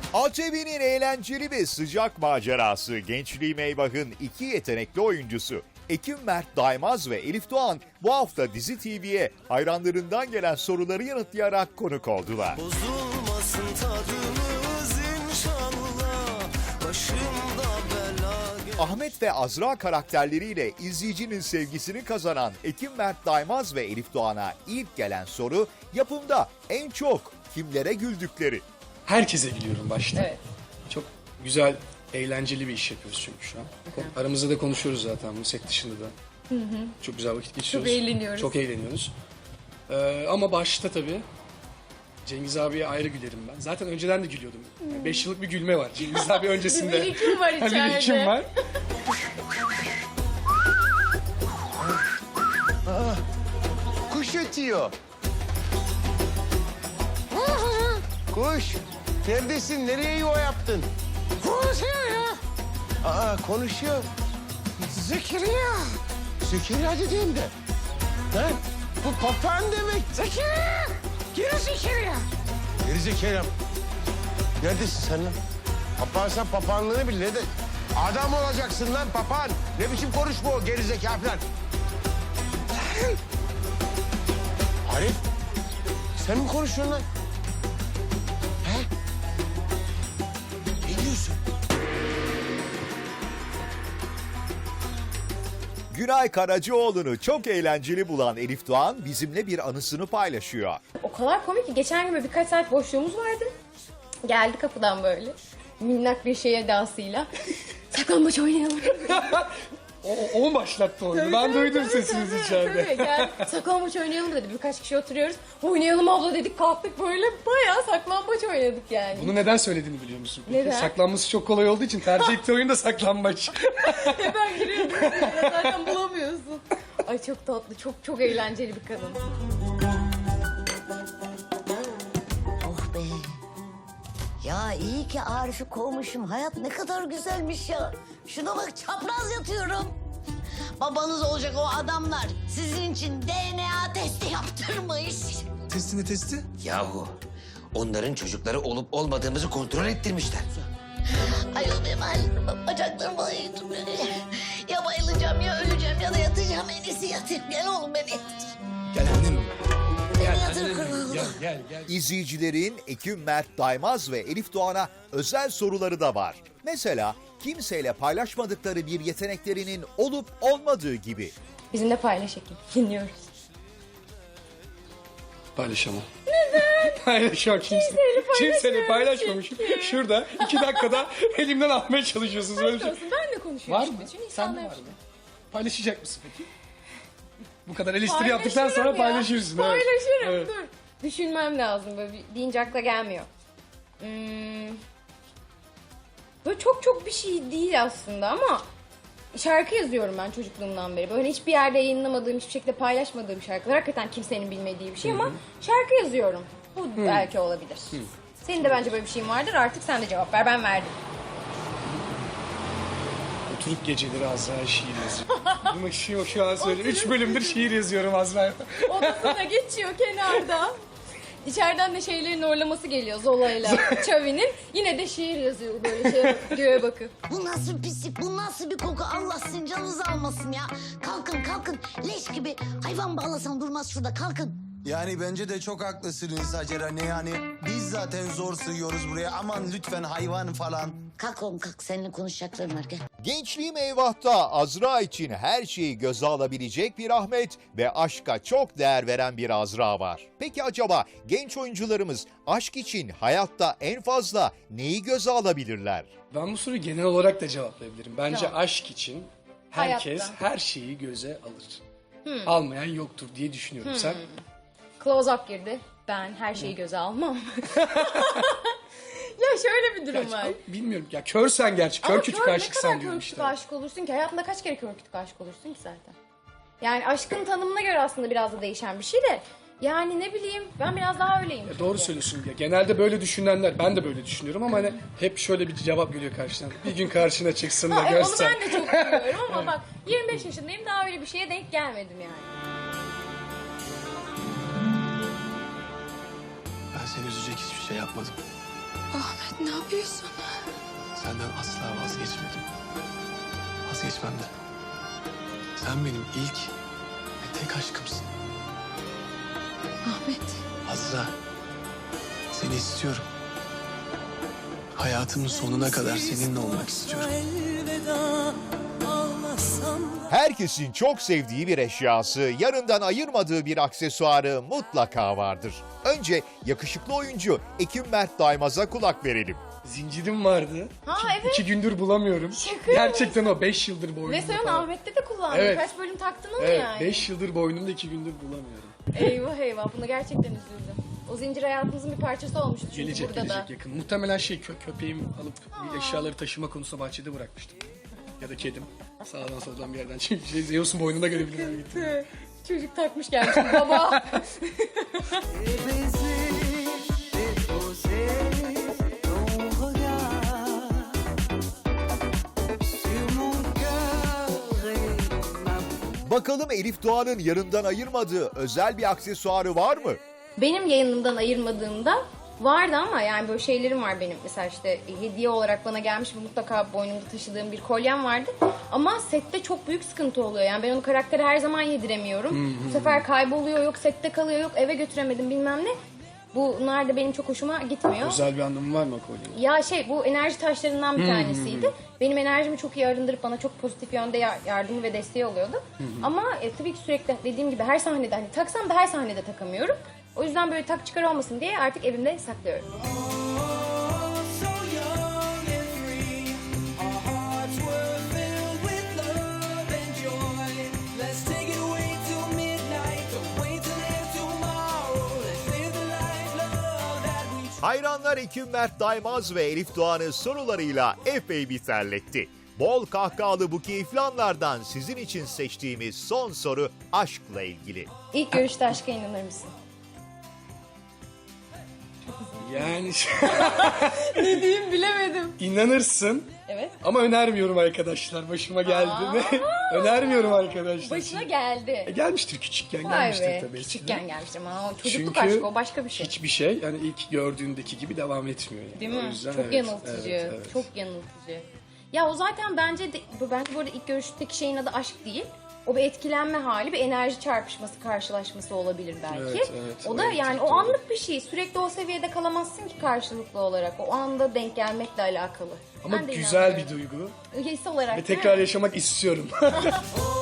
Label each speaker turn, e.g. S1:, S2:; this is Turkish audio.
S1: ATV'nin eğlenceli ve sıcak macerası Gençliğim Eyvah'ın iki yetenekli oyuncusu Ekim Mert Daymaz ve Elif Doğan bu hafta Dizi TV'ye hayranlarından gelen soruları yanıtlayarak konuk oldular.
S2: Bozulmasın tadımız inşallah, başımda bela.
S1: Ahmet ve Azra karakterleriyle izleyicinin sevgisini kazanan Ekim Mert Daymaz ve Elif Doğan'a ilk gelen soru yapımda en çok kimlere güldükleri.
S3: Herkese gülüyorum başta.
S4: Evet.
S3: Çok güzel, eğlenceli bir iş yapıyoruz çünkü şu an. Aramızda da konuşuyoruz zaten bu set dışında da. Çok güzel vakit geçiriyoruz.
S4: Çok eğleniyoruz.
S3: Çok eğleniyoruz. Ama başta tabii Cengiz abiye ayrı gülerim ben. Zaten önceden de gülüyordum. 5 yıllık bir gülme var Cengiz abi öncesinde.
S4: Bir birikim var
S3: Bir
S4: içeride.
S3: birikim var.
S5: Kuş ötüyor. Kuş. Neredesin? Nereye yuva yaptın? Konuşuyor ya. Aa konuşuyor. Zekeriya. Zekeriya dediğinde. Lan bu papağan demek. Zekeriya. Geri Zekeriya. Geri Zekeriya. Neredesin sen lan? Papağan sen papağanlığını bil. Ne de... Adam olacaksın lan papağan. Ne biçim konuşma o geri zeka falan. Arif, sen mi konuşuyorsun lan? He? Ne diyorsun?
S1: Günay Karacıoğlu'nu çok eğlenceli bulan Elif Doğan bizimle bir anısını paylaşıyor.
S4: O kadar komik ki geçen gün böyle birkaç saat boşluğumuz vardı. Geldi kapıdan böyle minnak bir şey edasıyla. Saklambaç oynayalım.
S3: O başlattı oyunu. Ben duydum sesinizi içeride.
S4: Tabii, gel saklambaç oynayalım dedi. Birkaç kişi oturuyoruz. Oynayalım abla dedik, kalktık böyle bayağı saklambaç oynadık yani.
S3: Bunu neden söylediğini biliyor musun? Peki?
S4: Neden?
S3: Saklanması çok kolay olduğu için tercih ettiği oyun da saklambaç.
S4: Hemen giriyordum. Zaten bulamıyorsun. Ay çok tatlı, çok eğlenceli bir kadın.
S6: Oh be. Ya iyi ki Arif'i kovmuşum. Hayat ne kadar güzelmiş ya. Şuna bak, çapraz yatıyorum. Babanız olacak o adamlar sizin için DNA testi yaptırmış.
S7: Testi?
S8: Yahu onların çocukları olup olmadığımızı kontrol ettirmişler.
S6: Ay o benim halim, bacaklarım ağrıyor. Ya bayılacağım ya öleceğim ya da yatacağım. En iyisi yatayım. Gel oğlum beni yatır.
S7: Gel annem.
S6: Beni yatır kurban.
S3: Gel.
S1: İzleyicilerin Ekim Mert Daymaz ve Elif Doğan'a özel soruları da var. Mesela kimseyle paylaşmadıkları bir yeteneklerinin olup olmadığı gibi.
S4: Bizimle paylaş Ekim. Dinliyoruz.
S3: Paylaşamam. Neden? Paylaşamam. Kimseyle paylaşmamışım. Şurada 2 dakikada elimden almaya çalışıyorsunuz. Böyle bir şey.
S4: Olsun, ben de konuşuyorum.
S3: Var mı?
S4: Bütün
S3: Sen de
S4: insanlar
S3: var mı? Paylaşacak mısın peki? Bu kadar eleştiri yaptıktan sonra paylaşırsın. Evet.
S4: Paylaşırım.
S3: Evet.
S4: Dur. Düşünmem lazım. Böyle deyince akla gelmiyor. Böyle çok bir şey değil aslında ama şarkı yazıyorum ben çocukluğumdan beri. Böyle hiçbir yerde yayınlamadığım, hiçbir şekilde paylaşmadığım şarkılar. Hakikaten kimsenin bilmediği bir şey ama şarkı yazıyorum. Bu belki olabilir. Senin de bence böyle bir şeyin vardır. Artık sen de cevap ver. Ben verdim.
S3: Oturup geceleri Azra'ya şiir yazıyorum. Bunu şu an söyleyeyim. 3 bölümdür şiir yazıyorum Azra'ya.
S4: Odasında geçiyor kenarda. İçeriden de şeylerin orlaması geliyor Zola'yla Çavi'nin. Yine de şiir yazıyor böyle göğe bakıp.
S6: Bu nasıl bir pislik, bu nasıl bir koku? Allah sizin canınızı almasın ya. Kalkın. Leş gibi hayvan bağlasan durmaz şurada, kalkın.
S7: Yani bence de çok haklısınız Hacer anne. Yani biz zaten zor sığıyoruz buraya. Aman lütfen hayvan falan.
S6: Kalk oğlum kalk, seninle konuşacaklarım var, gel.
S1: Gençliğim Eyvah'ta Azra için her şeyi göze alabilecek bir Ahmet ve aşka çok değer veren bir Azra var. Peki acaba genç oyuncularımız aşk için hayatta en fazla neyi göze alabilirler?
S3: Ben bu soruyu genel olarak da cevaplayabilirim. Bence
S4: Tamam.
S3: aşk için herkes
S4: Hayatta.
S3: her şeyi göze alır. Almayan yoktur diye düşünüyorum. Sen?
S4: Close up girdi. Ben her şeyi göze almam. Ya şöyle bir durum var.
S3: Bilmiyorum ya, körsen gerçi. Kör kütük aşıksan diyorum
S4: kör
S3: işte.
S4: kütük aşık olursun ki? Hayatında kaç kere kör kütük aşık olursun ki zaten? Yani aşkın tanımına göre aslında biraz da değişen bir şey de. Yani ne bileyim, ben biraz daha öyleyim.
S3: Ya doğru söylüyorsun ya. Genelde böyle düşünenler, ben de böyle düşünüyorum ama hani hep şöyle bir cevap geliyor karşıdan. Bir gün karşına çıksın da
S4: Onu
S3: görsen.
S4: ben de çok biliyorum ama bak 25 yaşındayım, daha öyle bir şeye denk gelmedim yani.
S7: Ben seni üzecek hiçbir şey yapmadım.
S4: Ahmet ne yapıyorsun?
S3: Senden asla vazgeçmedim. Vazgeçmem de. Sen benim ilk ve tek aşkımsın.
S4: Ahmet.
S3: Azra, seni istiyorum. Hayatımın sonuna kadar seninle olmak istiyorum.
S2: Elveda ağlasam da
S1: Herkesin çok sevdiği bir eşyası, yanından ayırmadığı bir aksesuarı mutlaka vardır. Önce yakışıklı oyuncu Ekim Mert Daimaz'a kulak verelim.
S3: Zincirim vardı.
S4: Ha, evet.
S3: 2 gündür bulamıyorum.
S4: Şaka
S3: Gerçekten o 5 yıldır boynumda.
S4: Ve sen
S3: falan.
S4: Ahmet'te de kullandın.
S3: Evet.
S4: Kaç bölüm taktın onu
S3: Evet,
S4: yani.
S3: 5 yıldır boynumda 2 gündür bulamıyorum.
S4: Eyvah eyvah, buna gerçekten üzüldüm. O zincir hayatımızın bir parçası olmuştu çünkü
S3: Gelecek
S4: burada
S3: gelecek
S4: da.
S3: yakın. Muhtemelen köpeğim alıp bir eşyaları taşıma konusunda bahçede bırakmıştım. Ya da kedim. Sağdan soldan bir yerden. Çünkü Zeus'un boynunda görebilirim.
S4: Çocuk takmış gelmiş baba.
S2: baiser, déposer ton regard sur mon cœur et ma
S1: Bakalım Elif Doğan'ın yanından ayırmadığı özel bir aksesuarı var mı?
S4: Benim yayınımdan ayırmadığımda vardı ama yani böyle şeylerim var benim. Mesela işte hediye olarak bana gelmiş mutlaka boynumda taşıdığım bir kolyem vardı. Ama sette çok büyük sıkıntı oluyor. Yani ben onu karaktere her zaman yediremiyorum. Bu sefer kayboluyor, yok sette kalıyor, yok eve götüremedim bilmem ne. Bunlar da benim çok hoşuma gitmiyor.
S3: Özel bir anlamı var mı o kolyenin?
S4: Ya bu enerji taşlarından bir tanesiydi. Benim enerjimi çok iyi arındırıp bana çok pozitif yönde yardımı ve desteği oluyordu. Ama tabii ki sürekli dediğim gibi her sahnede hani taksam da her sahnede takamıyorum. O yüzden böyle tak çıkar olmasın diye artık evimde saklıyorum.
S2: so young and free. Our hearts were filled with love and joy. Let's take it away till midnight. Don't wait till there's tomorrow. Let's live the life, love that we
S1: Hayranlar Ekim Mert Daimaz ve Elif Doğan'ı sorularıyla epey bir terletti. Bol kahkahalı bu keyifli anlardan sizin için seçtiğimiz son soru aşkla ilgili.
S4: İlk görüşte aşka inanır mısın?
S3: Yani
S4: Ne diyeyim bilemedim.
S3: inanırsın
S4: Evet.
S3: ama önermiyorum arkadaşlar. Başıma geldi mi? Önermiyorum arkadaşlar.
S4: Başına geldi.
S3: Gelmiştir küçükken
S4: Vay
S3: gelmiştir
S4: be.
S3: tabii.
S4: Küçükken gelmiştir ama o çocukluk
S3: Çünkü
S4: aşkı o başka bir şey.
S3: Hiçbir şey yani ilk gördüğündeki gibi devam etmiyor. Yani.
S4: Değil
S3: O
S4: mi?
S3: yüzden
S4: Çok
S3: evet,
S4: yanıltıcı.
S3: evet.
S4: Çok yanıltıcı. Ya o zaten bence bu arada ilk görüşteki şeyin adı aşk değil. O bir etkilenme hali, bir enerji çarpışması, karşılaşması olabilir belki.
S3: Evet,
S4: o da
S3: evet,
S4: yani
S3: çok
S4: o
S3: doğru.
S4: anlık bir şey. Sürekli o seviyede kalamazsın ki karşılıklı olarak. O anda denk gelmekle alakalı.
S3: Ama
S4: Ben de
S3: güzel bir
S4: inanmıyorum.
S3: duygu
S4: His olarak
S3: ve
S4: değil mi?
S3: tekrar yaşamak istiyorum.
S2: Oh,